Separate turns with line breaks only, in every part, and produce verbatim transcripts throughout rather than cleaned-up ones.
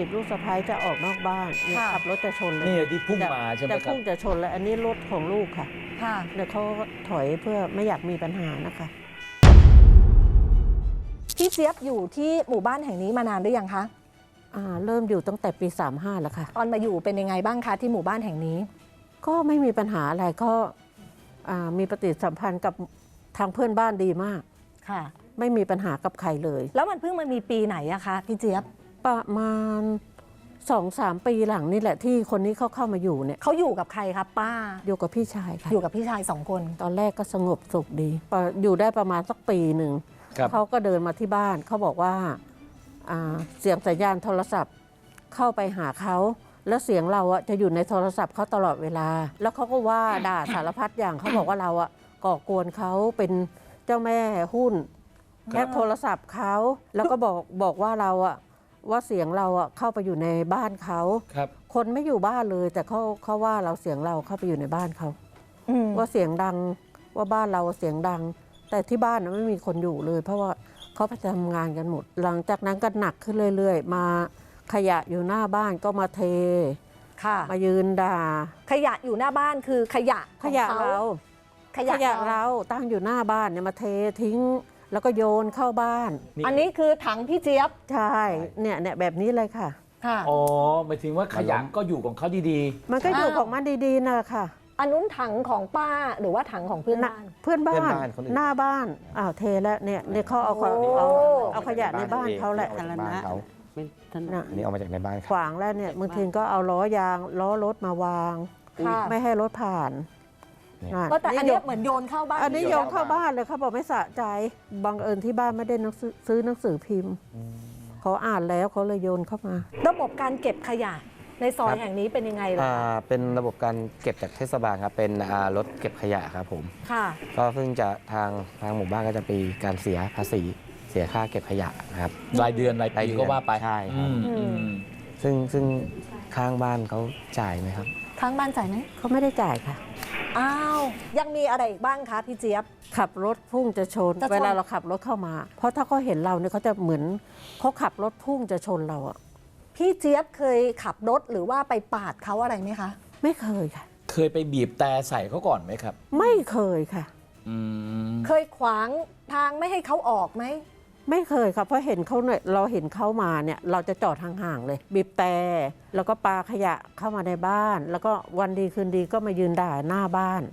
บีบลูกสะใภ้จะออกนอกบ้านเนี่ยขับรถจะชนเลย
นี่ที่พุ่งมาใช่ไหมครับ
จะพุ่งจะชนเลยอันนี้รถของลูกค่ะ
ค่ะ
เดี๋ยวเขาถอยเพื่อไม่อยากมีปัญหานะคะ
พี่เจี๊ยบอยู่ที่หมู่บ้านแห่งนี้มานานหรือยังคะ
อ่าเริ่มอยู่ตั้งแต่ปีสามห้าแล้วค่ะ
ตอนมาอยู่เป็นยังไงบ้างคะที่หมู่บ้านแห่งนี้
ก็ไม่มีปัญหาอะไรก็อ่ามีปฏิสัมพันธ์กับทางเพื่อนบ้านดีมาก
ค่ะ
ไม่มีปัญหากับใครเลย
แล้วมันเพิ่งมันมีปีไหนอะคะพี่เจี๊ยบ
ประมาณสองสามปีหลังนี่แหละที่คนนี้เขาเข้ามาอยู่เนี่ย
เขาอยู่กับใครครับป้า
อยู่กับพี่ชายค่ะ
อยู่กับพี่ชายสองคน
ตอนแรกก็สงบสุขดีพออยู่ได้ประมาณสักปีหนึ่ง
ครับ
เขาก็เดินมาที่บ้านเขาบอกว่าอ่าเสียงสัญญาณโทรศัพท์เข้าไปหาเขาแล้วเสียงเราอะจะอยู่ในโทรศัพท์เขาตลอดเวลา แล้วเขาก็ว่าด่าสารพัดอย่างเขาบอกว่าเราอะก่อกวนเขาเป็นเจ้าแม่หุ้นแฮ็กโทรศัพท์เขาแล้วก็บอกบอกว่าเราอะว่าเสียงเราอะเข้าไปอยู่ในบ้านเขา
ครับ
คนไม่อยู่บ้านเลย แต่เขาเขาว่าเราเสียงเราเข้าไปอยู่ในบ้านเขา
อืม
ว่าเสียงดังว่าบ้านเราเสียงดัง แต่ที่บ้านนะไม่มีคนอยู่เลย เพราะว่าเขาไปทำงานกันหมด หลังจากนั้นก็หนักขึ้นเรื่อยๆ มาขยะอยู่หน้าบ้านก็มาเท
ค่ะ
มายืนด่า
ขยะอยู่หน้าบ้านคือขยะข
ข
อง
ยะ
เขา
เรา
ข
ข
ยะ
ยะ
เรา
เราตั้งอยู่หน้าบ้านเนี่ยมาเททิ้ง แล้วก็โยนเข้าบ้าน
นี่
อันนี้คือถังพี่เจี๊ยบ
ใช่เนี่ยเนี่ยแบบนี้เลยค่ะ
ค่ะ
อ๋อหมายถึงว่าขยะก็อยู่ของเขาดี
มันก็อยู่
อ้าว
ของมันดีๆนะค่ะ
อันนู้นถังของป้าหรือว่าถังของเพื่อน
น่ะ
บ้าน
เพื่อนบ้า
เพื่อน นบ้านคนอื่น
หน้าบ้านอ้าวเทแล้วเนี่ยเนี่ยเขาเอาข
โอ้
เอาเอาขยะในบ้านเขาแหละ
ออกจากบ้านเขา
ไม่ทัน
อันนี้ออกมาจากในบ้าน
ข
เขา
วางแล้วเนี่ยบางทีก็เอาล้อยางล้อรถมาวาง
ค่ะ
ไม่ให้รถผ่าน
ก็แต่อันเนี้ยเหมือนโยนเข้าบ้าน
อันนี้โยนเข้าบ้านเลยเขาบอกไม่สะใจบังเอิญที่บ้านไม่ได้หนังสือซื้อหนังสือพิมพ์เขาอ่านแล้วเขาเลยโยนเข้ามา
ระบบการเก็บขยะในซอยแห่งนี้เป็นยังไงล่ะ
อ่าเป็นระบบการเก็บจากเทศบาลครับเป็นอ่ารถเก็บขยะครับผม
ค่ะ
ก็เพิ่งจะทางทางหมู่บ้านก็จะมีการเสียภาษีเสียค่าเก็บขยะนะครับ
ๆ รายเดือนราย
ราย
ปี
เดือน
ก็ว่าไป
ใช่ครับ
อืมอืม
ซึ่งซึ่งข้างบ้านเขาจ่ายไหมครับ
ข้างบ้านจ่ายไหม
เขาไม่ได้จ่ายค่ะ
อ้าว ยังมีอะไรอีกบ้างคะพี่เจี๊ยบ
ขับรถพุ่งจะชน
จะชน
เวลาเราขับรถเข้ามา เพราะถ้าเขาเห็นเราเนี่ยเขาจะเหมือนเขาขับรถพุ่งจะชนเราอะ
พี่เจี๊ยบเคยขับรถหรือว่าไปปาดเขาอะไรไหมคะ
ไม่เคยค่ะ
เคยไปบีบแต่ใส่เขาก่อนไหมครับ
ไม่เคยค่ะ
อืม
เคยขวางทางไม่ให้เขาออกไหม
ไม่เคยค่ะเพราะเห็นเขาเนี่ยเราเห็นเขามาเนี่ยเราจะจอดห่างๆเลย บีบแต่แล้วก็ปาขยะเข้ามาในบ้าน แล้วก็วันดีคืนดีก็มายืนด่าหน้าบ้าน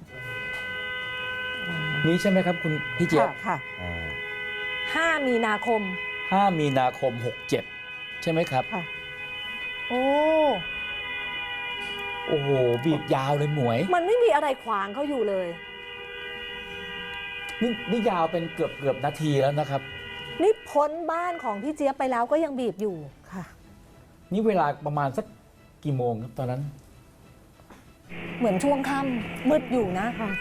นี่ใช่ไหมครับคุณพี่เจี๊ยบ
ค่ะค่ะ
อ่า
ห้า มีนาคม
ห้ามีนาคมหกเจ็ดใช่ไหมครับ
ค่ะ
โอ้
โอ้โห บีบยาวเลยหมวย
มันไม่มีอะไรขวางเขาอยู่เลย
นี่นี่ยาวเป็นเกือบเกือบนาทีแล้วนะครับ
นี่พ้นบ้านของพี่เจี๊ยบไปแล้วก็ยังบีบอยู่
ค่ะ
นี่เวลาประมาณสักกี่โมงครับตอนนั้น
เหมือนช่วงค่ำมืดอยู่นะ
ค่ะ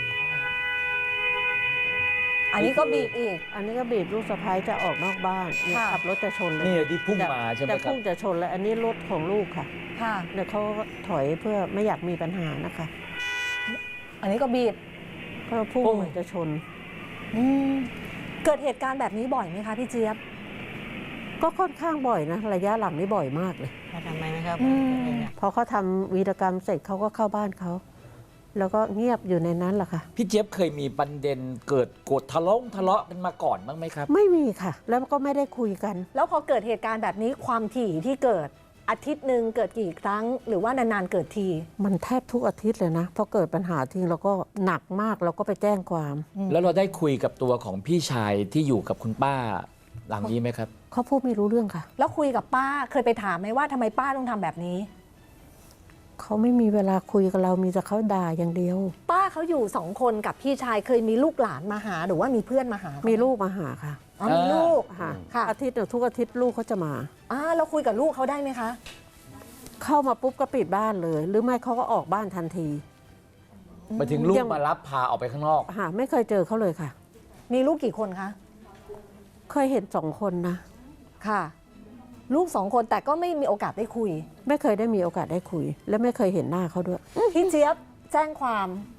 อันนี้ก็บีบอีก
อันนี้ก็บีบลูกสะใภ้จะออกนอกบ้านเนี่ย
ค่ะ
ขับรถจะชนเลย
นี่ที่พุ่งมาใช่ไหม
จะ
ครับ
พุ่งจะชนเลยอันนี้รถของลูกค่ะ
ค่ะ
เดี๋ยวเขาถอยเพื่อไม่อยากมีปัญหานะคะ
อันนี้ก็บีบ
เพราะพุ่งเหมือนจะชน
อืมเกิดเหตุการณ์แบบนี้บ่อยไหมคะพี่เจี๊ยบ
ก็ค่อนข้างบ่อยนะระยะหลังนี่บ่อยมากเลย
ทำไมนะครับ
อืม
พอเขาทำวีรกรรมเสร็จเขาก็เข้าบ้านเขา แล้วก็เงียบอยู่ในนั้นแหละค่ะ
พี่เจี๊ยบเคยมีประเด็นเกิดโกรธทะเลาะทะเลาะกันมาก่อนบ้างไหมครับ
ไม่มีค่ะ แล้วก็ไม่ได้คุยกัน
แล้วพอเกิดเหตุการณ์แบบนี้ความถี่ที่เกิดอาทิตย์หนึ่งเกิดกี่ครั้ง หรือว่านานๆเกิดที
มันแทบทุกอาทิตย์เลยนะพอเกิดปัญหาทิ้งเราก็หนักมากเราก็ไปแจ้งความ
แล้วเราได้คุยกับตัวของพี่ชายที่อยู่กับคุณป้าหลังนี้ไหมครับ
เขาพูดไม่รู้เรื่องค่ะ
แล้วคุยกับป้าเคยไปถามไหมว่าทำไมป้าต้องทำแบบนี้
เขาไม่มีเวลาคุยกับเรามีแต่เขาด่าอย่างเดียว
ป้าเขาอยู่สองคนกับพี่ชายเคยมีลูกหลานมาหาหรือว่ามีเพื่อนมาหา
มี
มี
ลูกมาหาค่ะ
อ๋อมีลูก
ค่ะ
ค่ะ
อาทิตย์หนึ่งทุกอาทิตย์ลูกเขาจะมา
อ่าเราคุยกับลูกเขาได้ไหมคะ
เข้ามาปุ๊บก็ปิดบ้านเลย หรือไม่เขาก็ออกบ้านทันที
มาถึงลูก
ยัง
มารับพาออกไปข้างนอก
หาไม่เคยเจอเขาเลยค่ะ
มีลูกกี่คนคะ
เคยเห็นสองคนนะ
ค่ะ ลูกสองคนแต่ก็ไม่มีโอกาสได้คุย
ไม่เคยได้มีโอกาสได้คุย และไม่เคยเห็นหน้าเขาด้วย
พี่เจี๊ยบแจ้งความ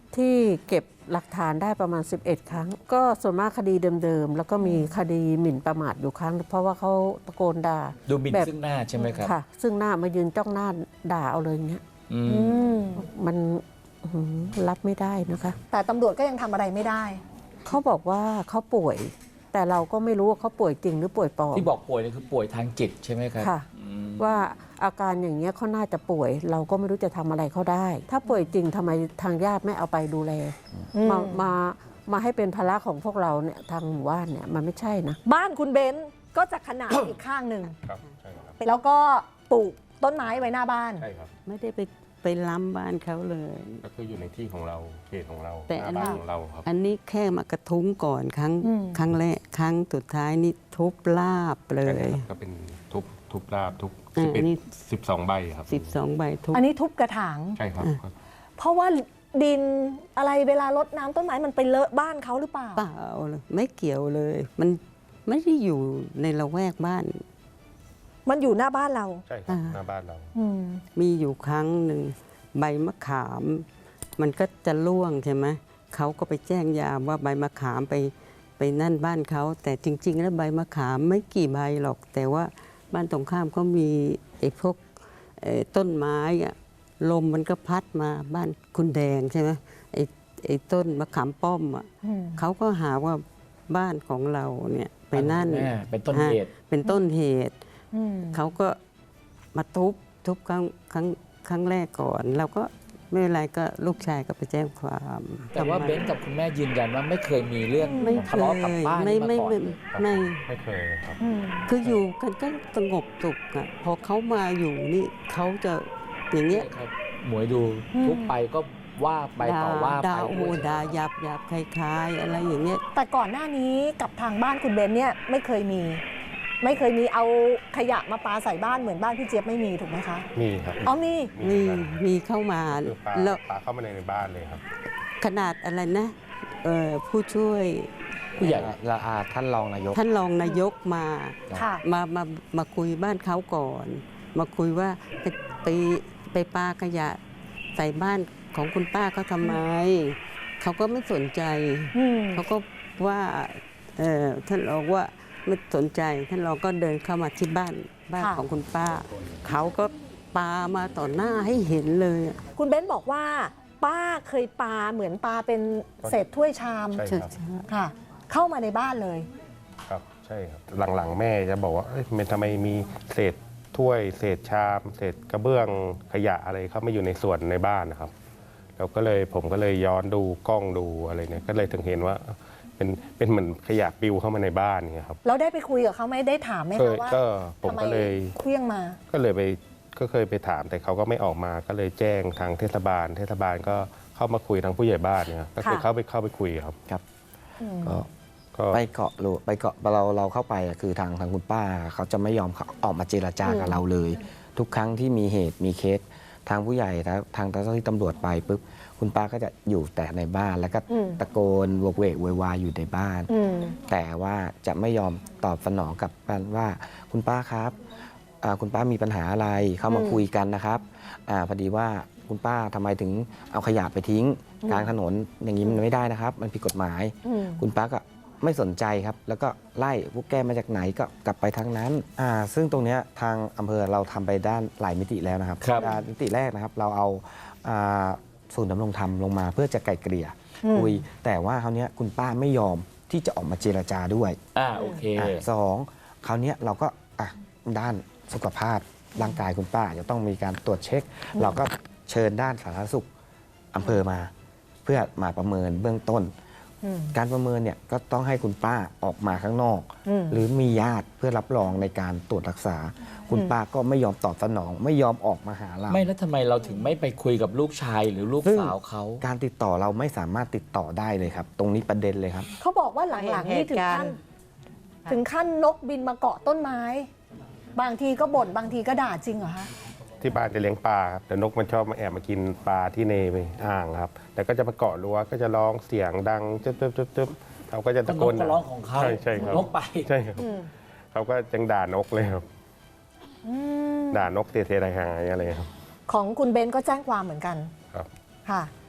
ที่เก็บหลักฐานได้ประมาณ สิบเอ็ด ครั้ง ก็ส่วนมากคดีเดิมๆ แล้วก็มีคดีหมิ่นประมาทอยู่ครั้ง เพราะว่าเขาตะโกนด่า
ดูหมิ่น
แบบ
ซึ่งหน้าใช่ไหมครับ
ค่ะ ซึ่งหน้ามายืนจ้องหน้าด่าเอาเลยอย่างเงี้ย
อืม
อืม
มันอื้อหือรับไม่ได้นะคะ
แต่ตำรวจก็ยังทำอะไรไม่ได้
เขาบอกว่าเขาป่วย แต่เราก็ไม่รู้ว่าเขาป่วยจริงหรือป่วยปลอม
ที่บอกป่วยนี่คือป่วยทางจิตใช่ไหมครับ
ค่ะ
อืม
ว่าอาการอย่างเงี้ยเขาน่าจะป่วย เราก็ไม่รู้จะทำอะไรเขาได้ ถ้าป่วยจริงทำไมทางญาติไม่เอาไปดูแล
อืม
มามามาให้เป็นภาระของพวกเราเนี่ยทางหมู่บ้านเนี่ยมันไม่ใช่นะ
บ้านคุณเบนซ์ก็จะขนาด อีกข้างหนึ่ง
ครับใช่ครับ
แล้วก็ปลูกต้นไม้ไว้หน้าบ้าน
ใช่ครับ
ไม่ได้ไปไปล้ำบ้านเขาเลย
ก็คืออยู่ในที่ของเราเขตของเรา
แต่
ห
อั
น้าน
นี้
บ้านของเราครับ
อันนี้แค่มากระทุ้งก่อนครั้ง
อืม
ครั้งแรกครั้งสุดท้ายนี่ทุบลาบเล
ใช่
ย
ครับก็เป็นทุบทุบราบทุบ
อ่า
สิบเอ็
อั
ด
นนี้
สิบสองใบครับ
สิบสองใบทุบ
อันนี้ทุบกระถาง
ใช่ครับ
เพราะว่าดินอะไรเวลารดน้ำต้นไม้มันไปเลอะบ้านเขาหรือเปล่า
เปล่าเลยไม่เกี่ยวเลย มันไม่ได้อยู่ในละแวกบ้าน
มันอยู่หน้าบ้านเรา
ใช่ครับ
อ่า
หน้าบ้านเรา
อืม
มีอยู่ครั้งหนึ่งใบมะขาม มันก็จะร่วงใช่ไหมเขาก็ไปแจ้งยามว่าใบมะขามไปไปนั่นบ้านเขาแต่จริง ๆ แล้วใบมะขามไม่กี่ใบหรอก แต่ว่าบ้านตรงข้ามเขามีไอ้พวกเอ่อต้นไม้อะลมมันก็พัดมาบ้านคุณแดงใช่ไหมไอ้ไอ้ต้นมะขามป้อมอ่ะ
อืม
เขาก็หาว่าบ้านของเราเนี่ยไปนั่น
แม่เป็นต้นเหตุ
ฮะเป็นต้นเหตุ
อืม
เขาก็มาทุบทุบครั้งครั้งครั้งแรกก่อน เราก็ไม่เป็นไรก็ลูกชายก็ไปแจ้งความ
แต่ว่า
ทำไม
เบนซ์กับคุณแม่ยืนยันว่าไม่เคยมีเรื่อง
ไม่เค
ทะเลาะกับ
ย
บ้าน
ไม่
นี้มา
ไม่
ก่อน
ไม่
เลย
ไม่
ไม่เคยครับ
อืม
คืออยู่กันก็สงบสุขอะพอเขามาอยู่นี่เขาจะอย่างเงี้ย
ครับหมวยดูทุบไปก็ว่าไปต่อว่าไป
ด่าโอ้โหด่าหยาบหยาบคล้ายๆอะไรอย่างเงี้ย
แต่ก่อนหน้านี้กับทางบ้านคุณเบนซ์เนี่ยไม่เคยมี ไม่เคยมีเอาขยะมาปาใส่บ้านเหมือนบ้านพี่เจี๊ยบไม่มีถูกไหมคะ
มีครับ
อ๋อมี
มี
ครับ
มีเข้ามา
คือปลา
แล้ว
ปลาเข้ามาในในบ้านเลยครับ
ขนาดอะไรนะเอ่อผู้ช่วย
ผู้ใหญ่
ละอาท่านรองนายก
ท่านรองนายกมา
ค่ะ
มามามาคุยบ้านเขาก่อน มาคุยว่าไปไปไปปาขยะใส่บ้านของคุณป้าเขาทำไม เขาก็ไม่สนใจ
อืม
เขาก็ว่าเอ่อท่านรองว่าไม่สนใจท่านรองก็เดินเข้ามาที่บ้านบ้าน
ค่ะ
ของคุณป้า เขาก็ปามาต่อหน้าให้เห็นเลยอะ
คุณเบนซ์บอกว่า ป้าเคยปาเหมือนปาเป็นเศษถ้วยชาม
ใช่ครับ
ค่ะ เข้ามาในบ้านเลย
ครับใช่ครับหลังๆแม่จะบอกว่าเอ้ยมันทำไมมีเศษถ้วย เศษชาม เศษกระเบื้องขยะอะไรเข้ามาอยู่ในส่วนในบ้านนะครับแล้วก็เลยผมก็เลยย้อนดูกล้องดูอะไรเนี่ยก็เลยถึงเห็นว่าเป็นเป็นเหมือนขยะปลิวเข้ามาในบ้านเงี้ยครับ
เราได้ไปคุยกับเขาไหมได้ถามไหม
เค
คะ
ย
ว่า
ก็ผม
ทำไม
ก็เลย
เคลี้ยงมา
ก็เลยไปก็เคยไปถามแต่เขาก็ไม่ออกมาก็เลยแจ้งทางเทศบาล เทศบาลก็เข้ามาคุยทางผู้ใหญ่บ้านเนี่ยก็คือ
ค่ะ
เข้าไปเข้าไปคุยครับ
ครับ
อืม
ก็
ก็
ไปเกาะหรือไปเกาะเราเราเข้าไปอะคือทางทางคุณป้าเขาจะไม่ยอมเขาออกมาเจรจากับเราเลย ทุกครั้งที่มีเหตุมีเคสทางผู้ใหญ่ทางทางเจ้าหน้าที่ตำรวจไปปุ๊บคุณป้าก็จะอยู่แต่ในบ้าน แล้วก็
อืม
ตะโกนโวกเวกโวยวายอยู่ในบ้าน
อืม
แต่ว่าจะไม่ยอมตอบสนองกลับกันว่าคุณป้าครับอ่าคุณป้ามีปัญหาอะไรเข้ามา
อืม
คุยกันนะครับอาพอดีว่าคุณป้าทำไมถึงเอาขยะไปทิ้ง
อืม
กลางถนนอย่างนี้มันไม่ได้นะครับ มันผิดกฎหมาย
อืม
คุณป้าก็ไม่สนใจครับ แล้วก็ไล่พวกแกมาจากไหนก็กลับไปทางนั้นอ่าซึ่งตรงเนี้ยทางอำเภอเราทำไปด้านหลายมิติแล้วนะครับ
ครับ
อ่ามิติแรกนะครับ เราเอาอ่าศูนย์ดำรงธรรมลงมาเพื่อจะไกล่เกลี่ย
อืม
คุย แต่ว่าคราวเนี้ยคุณป้าไม่ยอมที่จะออกมาเจรจาด้วย
อ่าโอเค
อ่ะสองคราวเนี้ยเราก็อ่ะด้านสุขภาพร่างกายคุณป้าจะต้องมีการตรวจเช็ค เราก็เชิญด้านสาธารณสุขอำเภอมา เพื่อมาประเมินเบื้องต้น
อืม
การประเมินเนี่ยก็ต้องให้คุณป้าออกมาข้างนอก
อืม
หรือมีญาติเพื่อรับรองในการตรวจรักษา คุณ
อืม
ป้าก็ไม่ยอมตอบสนอง ไม่ยอมออกมาหาเรา
ไม่แล้วทำไมเราถึงไม่ไปคุยกับลูกชายหรือลูก
ซึ่ง
สาวเขา
การติดต่อเราไม่สามารถติดต่อได้เลยครับ ตรงนี้ประเด็นเลยครับ
เขาบอกว่าหลังๆนี่ถึงขั้น ถึงขั้นนกบินมาเกาะต้นไม้ บางทีก็บ่นบางทีก็ด่าจริงเหรอคะ
ที่บ้านจะเลี้ยงปลาครับแต่นกมันชอบมาแอบมากินปลาที่ในอ่างครับ แต่ก็จะมาเกาะรั้วก็จะร้องเสียงดังจึ๊บจึ๊บจึ๊บจึ๊บเขาก็จะ
ก็
ตะ
น
โก
ก
น
ก็ร้องของเขา
ใช่ใช่ครับ
นกไป
ใช่ครับ
อืม
เขาก็จังด่านกเลยครับ
อืม
ด่านกเตะเทไรหายอะไรครับ
ของคุณเบนก็แจ้งความเหมือนกัน
ครับ
ค่ะ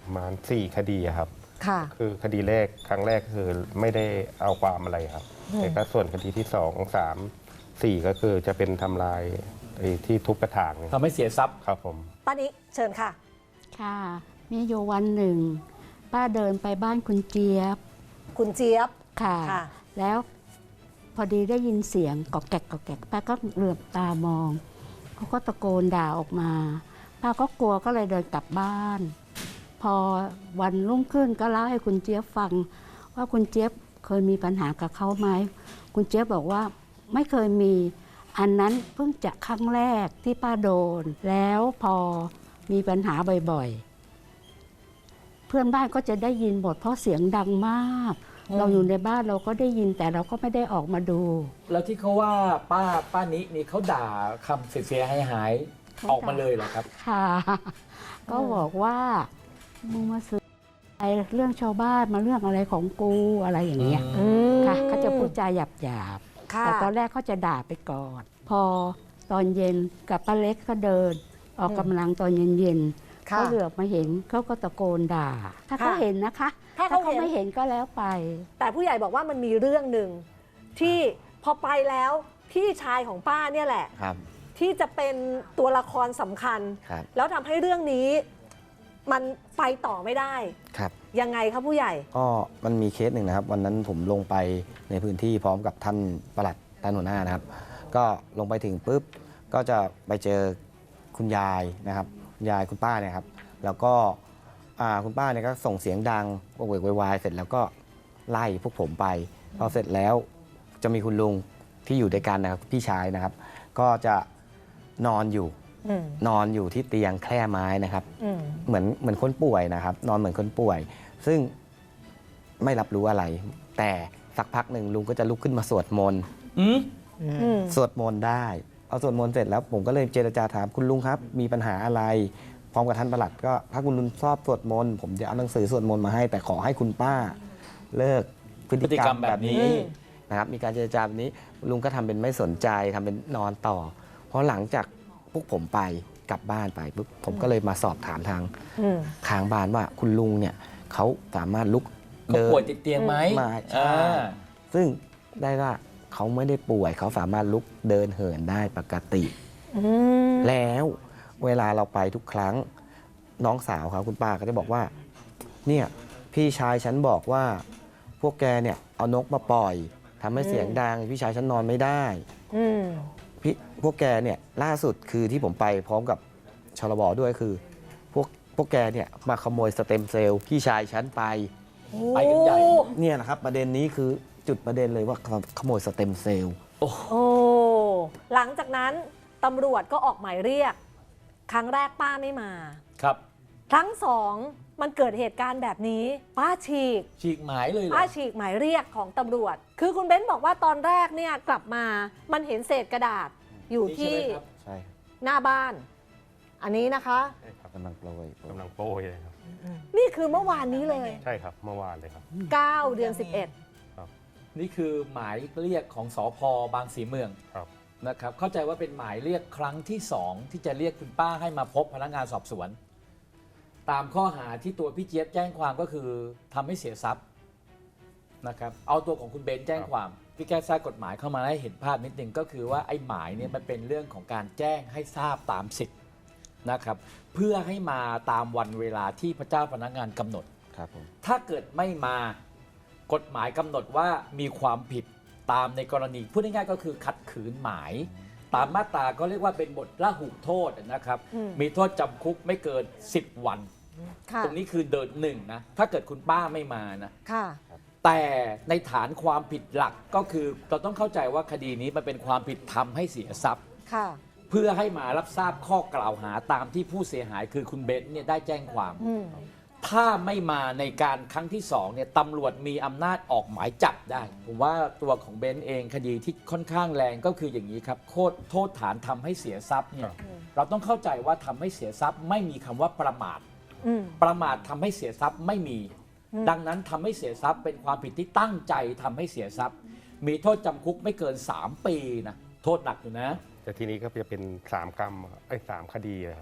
ประมาณสี่คดีอะครับ
ค่ะ
คือคดีแรกครั้งแรกคือไม่ได้เอาความอะไรครับ
อืม
แต่ก็ส่วนคดีที่สองสามสี่ก็คือจะเป็นทำลายไอ้ที่ทุบกระถางเนี่ย
ทำให้เสียทรัพย์
ครับผม
ป้านิเชิญค่ะ
ค่ะ มีอยู่วันหนึ่ง ป้าเดินไปบ้านคุณเจี๊ยบ
คุณเจี๊ยบ
ค่ะ
ค่ะ
แล้วพอดีได้ยินเสียงกอกแกกกอกแกกป้าก็เหลือบตามองเขาก็ตะโกนด่าออกมา ป้าก็กลัวก็เลยเดินกลับบ้าน พอวันรุ่งขึ้นก็เล่าให้คุณเจี๊ยบฟัง ว่าคุณเจี๊ยบเคยมีปัญหากับเขาไหมคุณเจี๊ยบบอกว่าไม่เคยมีอันนั้นเพิ่งจะครั้งแรกที่ป้าโดน แล้วพอมีปัญหาบ่อยๆ เพื่อนบ้านก็จะได้ยินหมดเพราะเสียงดังมาก
อืม
เราอยู่ในบ้านเราก็ได้ยินแต่เราก็ไม่ได้ออกมาดู
แล้วที่เขาว่าป้าป้านินี่เขาด่าคำเสียหายหายๆ
เขา
ออกมาเลยเหรอครับ
ค่ะ ก็บอกว่ามึงมาซื้อไอ้เรื่องชาวบ้านมาเรื่องอะไรของกูอะไรอย่างเงี้ย
อื
ค่ะเขาจะพูดจาหยาบหยาบๆ
ค่ะ
แต่ตอนแรกเขาจะด่าไปก่อน พอตอนเย็นกับป้าเล็กเขาเดิน ออกกำลังตอนเย็นๆ
ค่ะ
เขาเหลือบมาเห็นเขาก็ตะโกนด่า ถ้าเขา
ค่ะ
เห็นนะคะ
ถ้าเขาเห็น
ไม่เห็นก็แล้วไป
แต่ผู้ใหญ่บอกว่ามันมีเรื่องหนึ่งที่พอไปแล้วพี่ชายของป้าเนี่ยแหละ
ครับ
ที่จะเป็นตัวละครสำคัญ
ครับ
แล้วทำให้เรื่องนี้มันไปต่อไม่ได้
ครับ
ยังไงครับผู้ใหญ่
ก็มันมีเคสหนึ่งนะครับ วันนั้นผมลงไปในพื้นที่พร้อมกับท่านปลัดท่านหัวหน้านะครับ ก็ลงไปถึงปุ๊บก็จะไปเจอคุณยายนะครับคุณยายคุณป้าเนี่ยครับ แล้วก็อ่าคุณป้าเนี่ยก็ส่งเสียงดังโวกเวกโวยวายเสร็จแล้วก็ไล่พวกผมไปพอเสร็จแล้วจะมีคุณลุงที่อยู่ด้วยกันนะครับพี่ชายนะครับ ก็จะนอนอยู่
อืม
นอนอยู่ที่เตียงแคร่ไม้นะครับ
อืม
เหมือนเหมือนคนป่วยนะครับ นอนเหมือนคนป่วย ซึ่งไม่รับรู้อะไร แต่สักพักหนึ่งลุงก็จะลุกขึ้นมาสวดมนต์
อืม
อืม
สวดมนต์ได้เอาสวดมนต์เสร็จแล้วผมก็เลยเจรจาถามคุณลุงครับ มีปัญหาอะไร พร้อมกับท่านปลัดก็ถ้าคุณลุงชอบสวดมนต์ผมจะเอาหนังสือสวดมนต์มาให้ แต่ขอให้คุณป้าเลิกพฤติกรรมแบบนี้
อืม
นะครับ มีการเจรจาแบบนี้ลุงก็ทำเป็นไม่สนใจทำเป็นนอนต่อ เพราะหลังจากพวกผมไปกลับบ้านไปปุ๊บผมก็เลยมาสอบถามทาง
อืม
ข้างบ้านว่าคุณลุงเนี่ยเขาสามารถลุก
เขา
เดิน
ป่วยติดเตียงไหม
มาใช่
อ่า
ซึ่งได้ว่าเขาไม่ได้ป่วยเขาสามารถลุกเดินเหินได้ปกติ
อืม
แล้วเวลาเราไปทุกครั้งน้องสาวเขาคุณป้าก็จะบอกว่าเนี่ยพี่ชายฉันบอกว่าพวกแกเนี่ยเอานกมาปล่อยทำให้เสียงดังพี่ชายฉันนอนไม่ได้
อืม
พี่พวกแกเนี่ยล่าสุดคือที่ผมไปพร้อมกับชลบด้วยคือ พวกพวกแกเนี่ยมาขโมยสเต็มเซลล์พี่ชายฉันไป
ไปกันใหญ่
เนี่ยนะครับประเด็นนี้คือจุดประเด็นเลยว่าขโมยสเต็มเซลล์
โอ้ หลังจากนั้นตำรวจก็ออกหมายเรียก ครั้งแรกป้าไม่มา
ครับ
ครั้งสองมันเกิดเหตุการณ์แบบนี้ ป้าฉีก
ฉีกหมายเลยเหรอ
ป้าฉีกหมายเรียกของตำรวจ คือคุณเบ้นบอกว่าตอนแรกเนี่ยกลับมา มันเห็นเศษกระดาษอยู่
นี่
ที่
ใช่ไหมครับ
ใช่ครับ
หน้าบ้าน อันนี้นะคะ
ใช่ครับ
กำลังโปรย
กำลังโป้ยเลยครับ
นี่คือเมื่อวานนี้เลย
ใช่ครับเมื่อวานเลยครับ
เก้า เดือนสิบเอ็ด
นี่คือหมายเรียกของสพบางสีเมือง
ครับ
นะครับ เข้าใจว่าเป็นหมายเรียกครั้งที่สองที่จะเรียกคุณป้าให้มาพบพนักงานสอบสวน ตามข้อหาที่ตัวพี่เจี๊ยบแจ้งความก็คือทำให้เสียทรัพย์นะครับเอาตัวของคุณเบนแจ้งความพี่แก้ทราบกฎหมายเข้ามาให้เห็นภาพนิดนึงก็คือว่าไอ้หมายเนี่ยมันเป็นเรื่องของการแจ้งให้ทราบตามสิทธิ์นะครับเพื่อให้มาตามวันเวลาที่พระเจ้าพนักงานกำหนด
ครับผม
ถ้าเกิดไม่มากฎหมายกำหนดว่ามีความผิดตามในกรณีพูดง่ายๆก็คือขัดขืนหมาย ตามมาตราก็เรียกว่าเป็นบทละหุโทษนะครับ
อืม
มีโทษจำคุกไม่เกินสิบวัน
ค่ะ
ตรงนี้คือเดินหนึ่งนะถ้าเกิดคุณป้าไม่มานะ
ค่ะ
แต่ในฐานความผิดหลักก็คือเราต้องเข้าใจว่าคดีนี้มันเป็นความผิดทำให้เสียทรัพย์
ค่ะ
เพื่อให้มารับทราบข้อกล่าวหาตามที่ผู้เสียหายคือคุณเบนซ์เนี่ยได้แจ้งความ
อืม
ถ้าไม่มาในการครั้งที่สองเนี่ยตำรวจมีอำนาจออกหมายจับได้ ผมว่าตัวของเบนซ์เองคดีที่ค่อนข้างแรงก็คืออย่างนี้ครับโทษโทษฐานทำให้เสียทรัพย์เนี่ยเราต้องเข้าใจว่าทำให้เสียทรัพย์ไม่มีคำว่าประมาท
อืม
ประมาททำให้เสียทรัพย์ไม่มี
อืม
ดังนั้นทำให้เสียทรัพย์เป็นความผิดที่ตั้งใจทำให้เสียทรัพย์ มีโทษจำคุกไม่เกินสามปีนะโทษหนักอยู่นะ
แต่ทีนี้ก็จะเป็นสามกรรมไอ้ยสามคดีอะครับท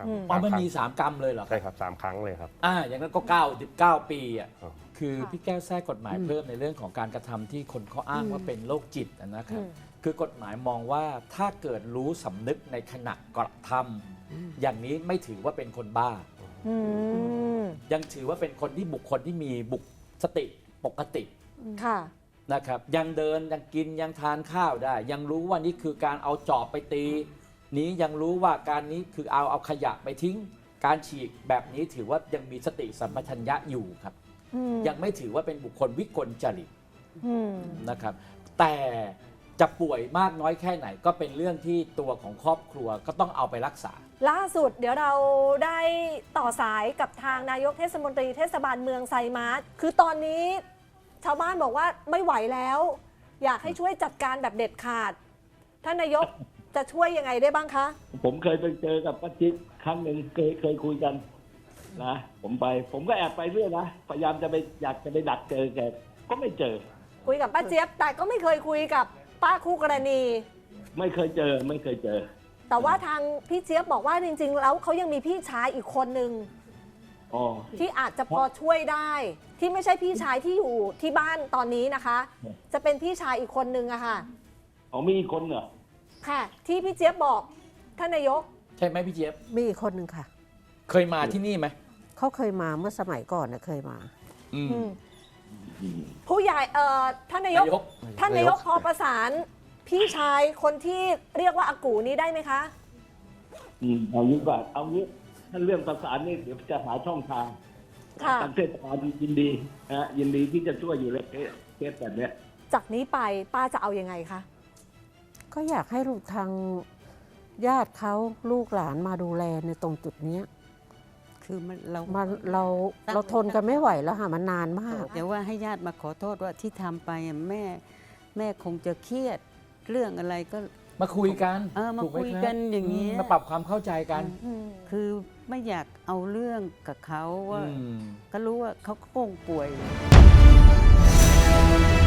ครับ
อืม
อ๋อ
สาม
มัน
ครั้ง
มีสามกรรมเลยเหรอ
ใช่ครับสามครั้งเลยครับ
อ่าอย่างนั้นก็เก้าสิบเก้าปีอ่ะ
ครับ
คือพี่แก้วแทรกกฎหมายเพิ่มในเรื่องของการกระทำที่คนเขาอ้างว่าเป็นโรคจิตนะครับ
อืม
คือกฎหมายมองว่าถ้าเกิดรู้สำนึกในขณะกระทำอย่างนี้ไม่ถือว่าเป็นคนบ้า
อืม
ยังถือว่าเป็นคนที่บุคคลที่มีบุคสติปกติ
ค่ะ
นะครับยังเดินยังกินยังทานข้าวได้ ยังรู้ว่านี่คือการเอาจอบไปตี นี้ยังรู้ว่าการนี้คือเอาเอาขยะไปทิ้ง การฉีกแบบนี้ถือว่ายังมีสติสัมปชัญญะอยู่ครับ
อืม
ยังไม่ถือว่าเป็นบุคคลวิกลจริต
อืม
นะครับ แต่จะป่วยมากน้อยแค่ไหนก็เป็นเรื่องที่ตัวของครอบครัวก็ต้องเอาไปรักษา
ล่าสุดเดี๋ยวเราได้ต่อสายกับทางนายกเทศมนตรีเทศบาลเมืองไซมาร์ทคือตอนนี้ชาวบ้านบอกว่าไม่ไหวแล้ว อยากให้ช่วยจัดการแบบเด็ดขาด ท่านนายกจะช่วยยังไงได้บ้างคะ
ผมเคยไปเจอกับป้าจิ๊กครั้งหนึ่งเคยเคยคุยกันนะผมไป ผมก็แอบไปเรื่อยนะพยายามจะไปอยากจะไปดักเจอแกก็ไม่เจอ
คุยกับป้าเจี๊ยบแต่ก็ไม่เคยคุยกับป้าคู่กรณี
ไม่เคยเจอไม่เคยเจอ
แต่ว่าทางพี่เจี๊ยบบอกว่าจริง ๆ แล้วเขายังมีพี่ชายอีกคนนึง
อ๋อ
ที่อาจจะพอช่วยได้ ที่ไม่ใช่พี่ชายที่อยู่ที่บ้านตอนนี้นะคะ จะเป็นพี่ชายอีกคนนึงอะค่ะ
อ๋อมีอีกคนเหรอ
ค่ะ ที่พี่เจี๊ยบบอกท่านนายก
ใช่ไหมพี่เจี๊ยบ
มีอีกคนหนึ่งค่ะ
เคยมาที่นี่ไหม
เขาเคยมาเมื่อสมัยก่อนนะเคยมา
อืม
อืมผู้ใหญ่เอ่อท่านนายก
นายก
ท่านนายกพอประสานพี่ชายคนที่เรียกว่าอากูนี้ได้ไหมคะ
อืมเอางี้ก่อนเอางี้ถ้าเรื่องประสานนี่เดี๋ยวจะหาช่องทาง
ค่ะ
ทางเทศบาลยินดีนะฮะยินดีที่จะช่วยอยู่เลยเคสเคสแบบเนี้ย
จากนี้ไปป้าจะเอายังไงคะ
ก็อยากให้ลูกทางญาติเขาลูกหลานมาดูแลในตรงจุดเนี้ย
คือมันเรา
มันเราเราทนกันไม่ไหวแล้วค่ะมันนานมาก
เดี๋ยวว่าให้ญาติมาขอโทษว่าที่ทำไปอะแม่แม่คงจะเครียดเรื่องอะไรก็
มาคุยกัน
เออมา
ถูไห
คุย
รับ
กันอย่างเงี้ย
มมาปรับความเข้าใจกัน
คือไม่อยากเอาเรื่องกับเขาว่า
อืม
ก็รู้ว่าเขาก็คงป่วย
ค